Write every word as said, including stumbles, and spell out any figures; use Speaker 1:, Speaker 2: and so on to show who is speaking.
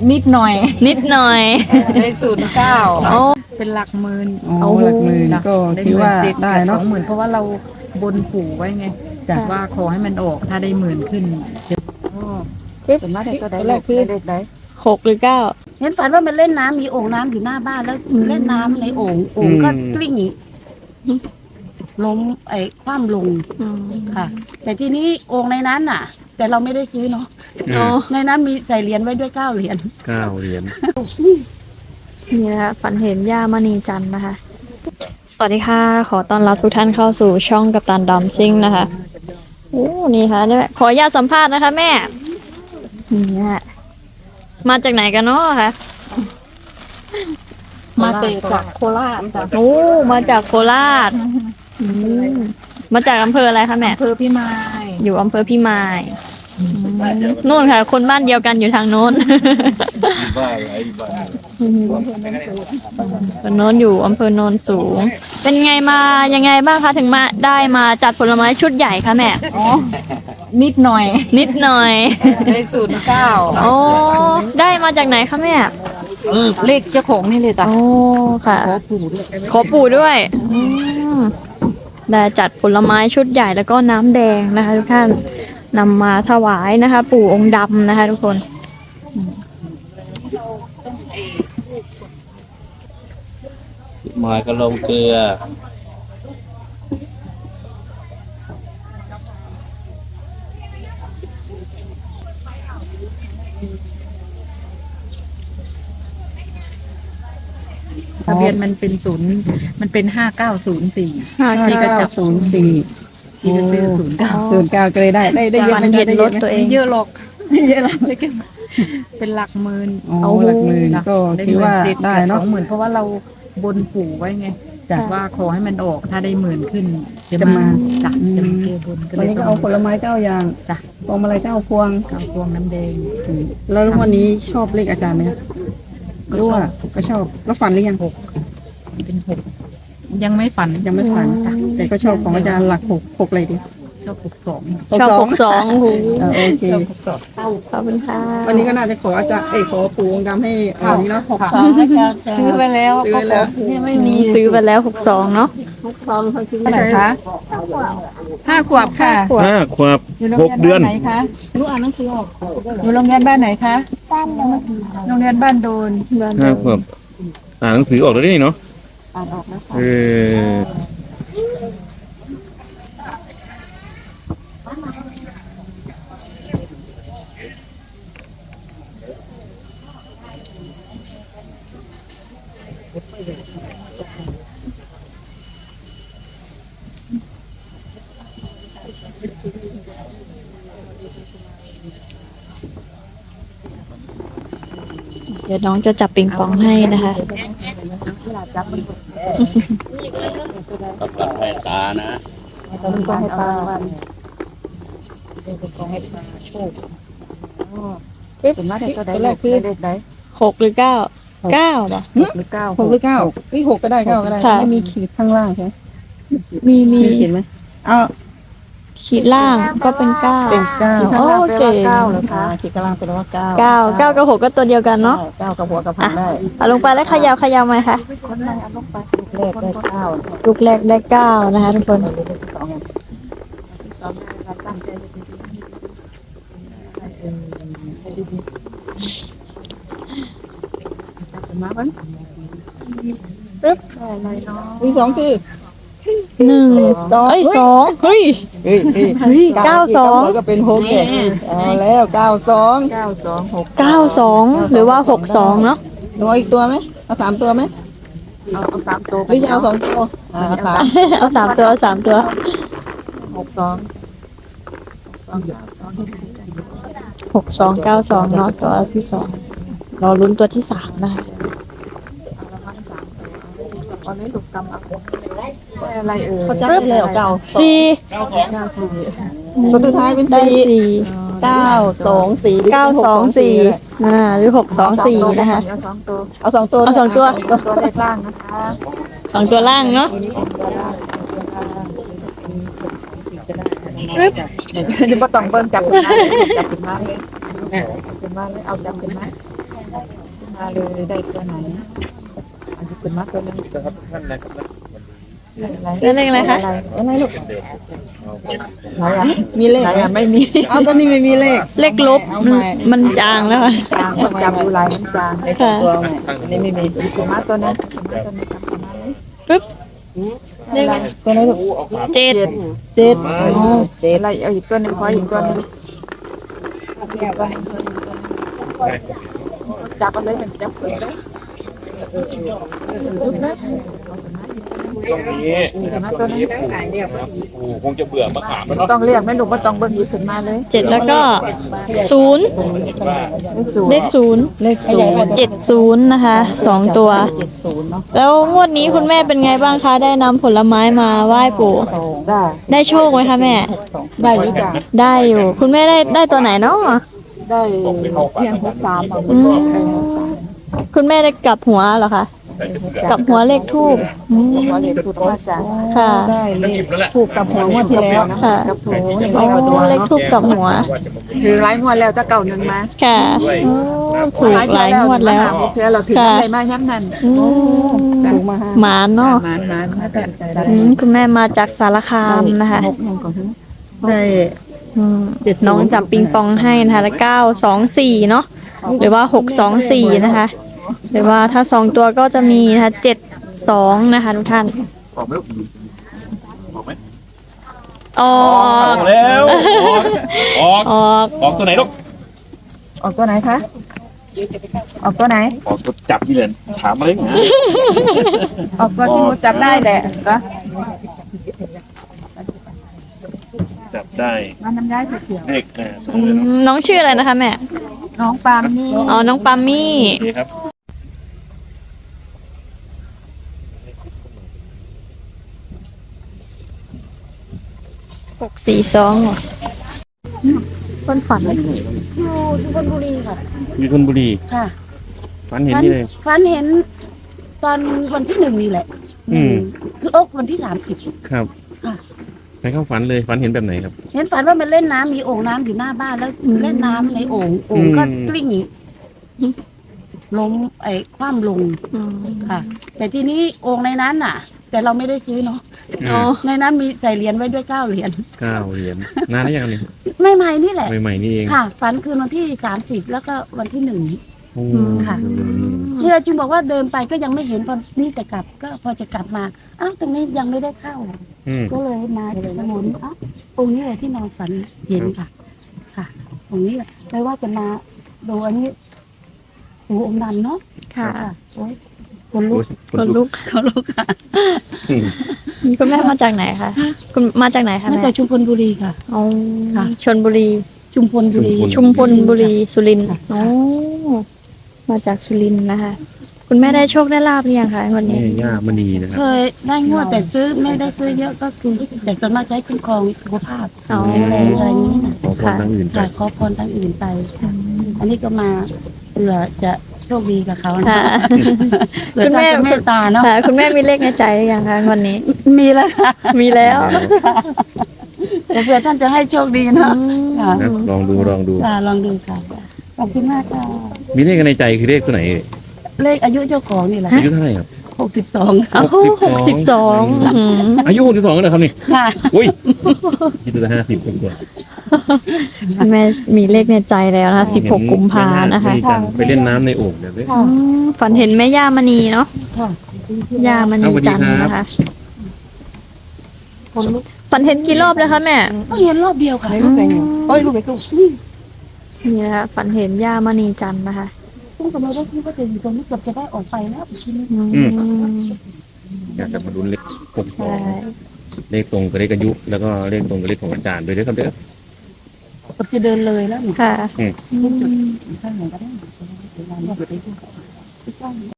Speaker 1: นิดหน่อย
Speaker 2: นิดหน่อย
Speaker 1: ได้ศูนย์เก้า
Speaker 2: โอ้
Speaker 1: เป็นหลักหมื่น
Speaker 3: อ๋อหลักหมื่นก็ถือว่าได้เนาะ
Speaker 1: สองหมื่นเพราะว่าเราบนปู่ไว้ไงจากว่าขอให้มันออกถ้าได้หมื่นขึ้นส่วนมากได้ก็ได้เลขคือเลขได้
Speaker 2: หกหรือเก้า
Speaker 4: เห็นฝันว่ามันเล่นน้ำมีโอ่งน้ำอยู่หน้าบ้านแล้วเล่นน้ำในโอ่งโอ่งก็กลิ้งล้มไอ้คว่ำลงค่ะ แต่ทีนี้โอ่งในนั้นน่ะ แต่เราไม่ได้ซื้อเนาะในนั้นมีใส่เหรียญไว้ด้วยเก้าเหรียญ
Speaker 5: เก้าเหรียญ
Speaker 2: นี่นะคะฝันเห็นย่ามณีจันทร์นะคะสวัสดีค่ะขอต้อนรับทุกท่านเข้าสู่ช่องกัปตันดัมซิ่งนะคะโอ้นี่ค่ะเนี่ยขออนุญาตสัมภาษณ์นะคะแม่นี่มาจากไหนกันเนาะคะ
Speaker 1: มาจากโคราชจ้ะ
Speaker 2: โอ้มาจากโคราชมาจากอำเภออะไรคะแม่
Speaker 1: อำเภอพี่มาย
Speaker 2: อยู่อำเภอพี่มายนู่นค่ะคนบ้านเดียวกันอยู่ทางโน้นคนโน้นอยู่อำเภอโนนสูงเป็นไงมายังไงบ้างคะถึงมาได้มาจัดผลไม้ชุดใหญ่คะแม่
Speaker 1: อ๋อนิดหน่อย
Speaker 2: นิดหน่อย
Speaker 1: ได้ศูนย์เก้า
Speaker 2: โอ้ได้มาจากไหนคะแม่
Speaker 1: เลขเจ้าของนี่เลยจ้ะ
Speaker 2: โอ้ค่ะ
Speaker 1: ขอปู่ด้วย
Speaker 2: ขอปู่ด้วยได้จัดผลไม้ชุดใหญ่แล้วก็น้ำแดงนะคะทุกท่านนำมาถวายนะคะปู่องค์ดำนะคะทุกคน
Speaker 5: มายก็ลงเกลือ
Speaker 1: ทะเบียนมันเป็นศูนย์มันเป็นห้าเก้าศูนย์สี่
Speaker 3: ที่ก็จับศูนย์สี่
Speaker 1: ที่ก็ซื้อศูนย์เก้า
Speaker 3: ศูนย์เก้าก็เลยได้ได้ได้เยอะไม่ได้
Speaker 2: รถตัวเอง
Speaker 1: เยอะหรอก
Speaker 3: เยอะหรอก
Speaker 1: เป็นหลักหมื่น
Speaker 3: อ๋อหลักหมื่นก็ถือว่าได้เนาะ
Speaker 1: สองหมื่นเพราะว่าเราบนปู่ไว้ไงจากว่าขอให้มันออกถ้าได้หมื่นขึ้นจะมาจัดจะมาเกบน
Speaker 3: วันนี้ก็เอาผลไม้เก้าอย่าง
Speaker 1: จ้ะ
Speaker 3: พวงมาลัยเก้าพวง
Speaker 1: เก้าพวงน้ำแดง
Speaker 3: แล้ววันนี้ชอบเลขอาจารย์ไหมก็ชอบก็ชอบแล้วฝันหรือยัง
Speaker 1: หกเป็นหกยังไม่ฝัน
Speaker 3: ยังไม่ฝันแต่ก็ชอบของอาจารย์หลักหกหกอะไรดี
Speaker 1: ชอบหกสอง
Speaker 2: ชอบหกสองโ
Speaker 3: อเค
Speaker 2: ขอบคุณค่ะ
Speaker 3: วันนี้ก็น่าจะขออาจารย์เอ้ขอปู่องค์ดำให้อันนี้เนาะหกสอง
Speaker 1: ซื้อไปแล้ว
Speaker 3: ซื้อไปแล้ว
Speaker 1: ไม่มี
Speaker 2: ซื้อไปแล้วหกสองเนาะ
Speaker 1: หกสองเขาซื้ออะไรคะห้าขวบค่ะ
Speaker 5: ห้าขวบหกเดือน
Speaker 1: ไหนคะรู้อ่านหนังสือออกอยู่โรงเรียนบ้านไหนคะบ้านโดนโรงเรียนบ้านโดน
Speaker 5: ห้าขวบอ่านหนังสือออกแล้วนี่เนาะ
Speaker 1: อ่านออกแล้วค่ะ
Speaker 5: เออ
Speaker 2: เดี๋ยวน้องจะจับปิงปองให้นะคะ
Speaker 5: กับกับให้ตานะ
Speaker 1: ต้องให้ตาวันต้องให้ตาโชคส่วนมากได้ก็ได้เลขคือเลขได้
Speaker 2: หกหรือเก้าเก้าป่ะ
Speaker 1: หรือเก้า
Speaker 3: หกหรือเก้านี่หกก็ได้เก้าก็ได้ไม่มีขีดข้างล่างใช่ไหม
Speaker 2: มีมี
Speaker 3: ขีดไหมเอา
Speaker 2: ขีดล่างก็เป็นเก้า
Speaker 3: เป็นเก้า
Speaker 2: โอเค
Speaker 1: เก้าเลยค่ะ
Speaker 3: ขีดข้างล่างเป็นว่าเก้า
Speaker 2: เก้าเก้ากับหกก็ตัวเดียวกันเนาะ
Speaker 3: เก้ากับหัวกับพันได้
Speaker 2: เอาลงไปแล้วขยาวขยาวไหมคะ
Speaker 1: คนไหนเอาลงไป
Speaker 3: แรกได้เก้า
Speaker 2: ลูกแรกได้เก้านะคะทุกคน
Speaker 3: สอง
Speaker 1: สองตั้งใจมาบ้าง
Speaker 2: ปึ๊บ
Speaker 1: อะไรเนาะ
Speaker 3: วีสองคือ
Speaker 2: หนึ่งเอ้ยสองเฮ้ย
Speaker 3: เฮ้ยเฮ้ย
Speaker 2: เก้าสอง
Speaker 3: ก็เป็นหกแก่เอาแล้วเก้าสอง
Speaker 1: เก้าสองหก
Speaker 2: เก้าสองหรือว่าหกสองเนาะ
Speaker 3: หนูอีกตัวไหมเอาสามตัวไหม
Speaker 1: เอาเอาสามตัว
Speaker 3: หรือจะเอาสองตัวเอาสาม
Speaker 2: เอาสามตัวสามตัว
Speaker 1: หกสอง
Speaker 2: หกสองเก้าสองเนาะตัวที่สองรอลุ้นตัวที่สามนะคะ
Speaker 1: ตอนนี้ถูกกำลังอะไรเอ่ย
Speaker 3: เขาจับได้เลยเก้า
Speaker 2: สี่
Speaker 3: ตัวสุดท้ายเป็นสี่เก้าสองสี่
Speaker 2: เก้าสองสี่อ่าหรือหกสองสี่นะคะ
Speaker 1: เอาสองตัว
Speaker 3: เอาสองตัว
Speaker 2: เอาสองตัว
Speaker 1: ตัวเลขล่างนะคะ
Speaker 2: สองตัวล่างเนาะ
Speaker 1: ปึ๊บเดี๋ยวมาต้องเบิ้ลจับขึ้นมาจับขึ้นมาจับขึ้นมาเอาจับขึ้นมามาเลยได้ตัวไหนอันนี้เป็นมาตัวนึง
Speaker 5: ครับท่านนะครับ
Speaker 2: แล้วเลขอะไรคะ
Speaker 3: อะไรลูก
Speaker 1: ไหนอ่ะ
Speaker 3: มีเลข
Speaker 1: ไหน
Speaker 3: ไหม
Speaker 1: อ่ะไม่มี
Speaker 3: เอาตอนนี้ไม่มีเลข
Speaker 2: เลขลบมันมันจางแล้วค่ะ
Speaker 1: จางคนจำดูลายมันจาง
Speaker 3: เลขของตัวใหม่อันนี้ไม่มี
Speaker 1: เป็นมาตัวนึงเป็นมาตัวนึงจำตัวนั้นเลย
Speaker 2: ปึ๊บเลขอะไร
Speaker 3: ตัวไหนลูก
Speaker 2: เจ็ด
Speaker 3: เจ็ดเจ็ด
Speaker 1: อะไรเอาอีกตัวหนึงขออีกตัวหนึงจับเอาเลยมันจับเปิดเลย
Speaker 5: ตรงนี้ตรงนี้โอ้คงจะเบื่อมะขามแล้วเนาะ
Speaker 1: ต้องเรียกไม่ลูกก็ต้องเบิ้งหยิบขึ้นมาเลย
Speaker 2: เจ็ดแล้วก็ศูนย์
Speaker 5: เห็นว่า
Speaker 2: เลขศูนย์
Speaker 3: เลขศูนย์
Speaker 2: เจ็ดศูนย์นะคะสองตัว
Speaker 3: เจ็ดศูนย์เนาะ
Speaker 2: แล้วงวดนี้คุณแม่เป็นไงบ้างคะ ได้นำผลไม้มาไหว้ปู่
Speaker 1: ได้
Speaker 2: ได้โชคไหมคะแม่
Speaker 1: ได้อยู่จ้ะ
Speaker 2: ได้อยู่ คุณแม่ได้ได้ตัวไหนเนาะ
Speaker 1: ได้เพียงหกสามเอา
Speaker 2: อืม
Speaker 1: เออหกสาม
Speaker 2: คุณแม่ได้กลับหัวเหรอคะกลับหัวเลขทูบอืม
Speaker 1: ขอเรียนถูกมาจาก
Speaker 2: ค่ะ
Speaker 3: ได้เลขถูกกับหัวงวดที่แล้ว
Speaker 2: ค่ะ
Speaker 3: กับหัวเลข
Speaker 2: โอ้
Speaker 3: กับหัว
Speaker 2: เลขทูบกลับหัว
Speaker 1: ถือหลายงวดแล้วถ้าเก่าหนึ่งมา
Speaker 2: ค่ะโอ้ถูกหลายงวดแล้ว
Speaker 1: เพื่อเราถืออะไรมาย้ำนั่น
Speaker 2: อืม
Speaker 3: ถูกมาห้า
Speaker 2: หมานเนาะ
Speaker 1: มานมานมาแต่
Speaker 2: อืมคุณแม่มาจากสารคามนะคะ
Speaker 1: หกหนึ่งก่อนถึง
Speaker 3: ได้
Speaker 2: อืม
Speaker 3: เจ็ดศูนย์
Speaker 2: น้องจับปิงปองให้นะคะแล้วเก้าสองสี่เนาะหรือว่าหกสองสี่นะคะ หรือว่าถ้าสองตัวก็จะมีนะคะเจ็ดสองนะคะทุกท่าน
Speaker 5: ออกไหมลูกออกไหม
Speaker 2: ออ
Speaker 5: ออก กแล้วออก
Speaker 2: ออก
Speaker 5: ออกตัวไหนลูก
Speaker 1: ออกตัวไหนคะออกตัวไหน
Speaker 5: ออกตัวจับยี่เหรียญถามอะไรนะ
Speaker 1: ออกตัวที่มุดจับได้แหละก็
Speaker 5: จับได้
Speaker 1: มันน้ำย้ายเขียว
Speaker 5: เลขนะ
Speaker 2: อืมน้องชื่ออะไรนะคะแม่
Speaker 1: น้องปามนี่
Speaker 2: อ๋อน้องปามี่
Speaker 5: นี่ครับ
Speaker 2: หกสี่สองเหรอคนฝันเลย
Speaker 4: อยู่ชุมพลบุรีค่ะ
Speaker 5: อยู่ชลบุรี
Speaker 4: ค่ะ
Speaker 5: ฝันเห็นนี่เลย
Speaker 4: ฝันเห็นตอนวันที่หนึ่งนี่แหละ
Speaker 5: อืม
Speaker 4: คือโอ๊กวันที่สามสิบ
Speaker 5: ครับ
Speaker 4: ค่ะ
Speaker 5: ไปเข้าฝันเลยฝันเห็นแบบไหนครับ
Speaker 4: เห็นฝันว่ามันเล่นน้ำมีโอ่งน้ำอยู่หน้าบ้านแล้วเล่นน้ำในโอ่งโอ่งก็
Speaker 5: อืม
Speaker 4: กลิ้งล้มไอ้คว่ำลง
Speaker 2: อืม
Speaker 4: ค่ะ แต่ทีนี้โอ่งในนั้นน่ะ แต่เราไม่ได้ซื้อเนาะ
Speaker 2: อ๋อ
Speaker 4: ในนั้นมีใส่เหรียญไว้ด้วยเก้าเหรียญ
Speaker 5: เก้าเหรียญนานแล้วยังนี่
Speaker 4: ไม่ใหม่ๆนี่แหละ
Speaker 5: ใหม่ๆนี่เอง
Speaker 4: ค่ะ ฝันคืนวันที่สามสิบแล้วก็วันที่หนึ่ง
Speaker 5: โอ้
Speaker 4: ค่ะ
Speaker 5: อืม
Speaker 4: เรือจึงบอกว่าเดินไปก็ยังไม่เห็นพอนี่จะกลับก็พอจะกลับมาอ้าวตรงนี้ยังไม่ได้เข้า
Speaker 5: อืม
Speaker 4: ก็เลยมาถนนอ้าวองค์นี้แหละที่นอนฝันเห็นค่ะ ค่ะองค์นี้แหละไม่ว่าจะมาดูอันนี้หูองค์ดำเนาะ
Speaker 2: ค่ะ
Speaker 4: ค่ะโอ้ยคนลุก
Speaker 2: คนลุก
Speaker 4: คนลุกค่ะ
Speaker 5: อืม
Speaker 2: คุณแม่มาจากไหนคะคุณมาจากไหนคะ
Speaker 4: มา
Speaker 2: แม่
Speaker 4: จากชุมพลบุรีค่ะ
Speaker 2: อ๋อ
Speaker 4: ค่ะ
Speaker 2: ชนบุรี
Speaker 4: ชุมพลบุรี
Speaker 2: ชุมพลบุรีสุรินทร์
Speaker 4: ค่ะ
Speaker 2: โอ้มาจากสุรินทร์นะคะ คุณแม่ได้โชคได้ลาบหรือยังคะวัน
Speaker 5: นี่
Speaker 2: นี้
Speaker 5: ย่ามณีนะครับ
Speaker 4: เคยได้งวดแต่ซื้อไม่ได้ซื้อเยอะก็คือแต่ส่วนมากใช้คุ้มครองสุขภาพ
Speaker 2: อ๋อ
Speaker 4: อะไรอะไรอย่างนี้นะ
Speaker 5: ขอพรทางอื่นไป
Speaker 4: ค่ะขอพรทางอื่นไป อันนี้ก็มาเผื่อจะโชคดีกับเขานะ
Speaker 2: ค่ะ
Speaker 4: เผื่อท่านจะเมตตาเนาะ
Speaker 2: ค่ะ คุณแม่มีเลขในใจหรือยังคะวันนี้
Speaker 4: มีแล้วค่ะ
Speaker 2: มีแล้ว
Speaker 4: แต่เผื่อท่านจะให้โชคดีเนาะค่ะ
Speaker 5: นะลองดูลองดู
Speaker 4: ค่ะลองดูค่ะขอบคุณมากค่ะ
Speaker 5: มีเลขในใจคือเลขตัวไหนเอ่ย
Speaker 4: เลขอายุเจ้าของนี่แหละ
Speaker 5: อายุเท่าไหร่ครับ
Speaker 4: หกสิบสอง
Speaker 2: เอ้าหกสิบสองอืม
Speaker 5: อายุหกสิบสองแล้วเหรอครับนี่
Speaker 4: ค่ะ
Speaker 5: อุ้ยคิดดูนะห้าสิบคนตัว
Speaker 2: คุณแม่มีเลขในใจแล้วนะคะสิบหกกุมภานะคะ
Speaker 5: ไปเล่นน้ำในโอ่งเดี๋ยวเลย
Speaker 2: อืมฝันเห็นแม่ย่ามณีเนาะ
Speaker 4: ค่ะ
Speaker 2: ย่ามณีจันทร์นะคะ
Speaker 4: คนลุก
Speaker 2: ฝันเห็นกี่รอบแล้วคะแม่
Speaker 4: ก็เห็นรอบเดียวค่ะ
Speaker 2: อืม
Speaker 4: โอ้ยลูกไปลูก
Speaker 2: นี่นะคะฝันเห็นย่ามณีจันทร์นะคะ
Speaker 4: ซึ่งก็ไม่ได้คิดว่าจะอยู่ตรงนี้เกือบจะได้ออกไปแล้วทีนี้
Speaker 2: อืม
Speaker 5: อยากจะมาลุ้นเลขหกสอ
Speaker 2: ใช่
Speaker 5: งเลขตรงกับเลขอายุแล้วก็เลขตรงกับเลขของอาจารย์ด้วยด้วยครับเด้อ
Speaker 4: เกือบจะเดินเลยแล้วหนู
Speaker 2: ค่ะ
Speaker 5: อืม
Speaker 2: อืม
Speaker 4: ข้างไหนก็ได้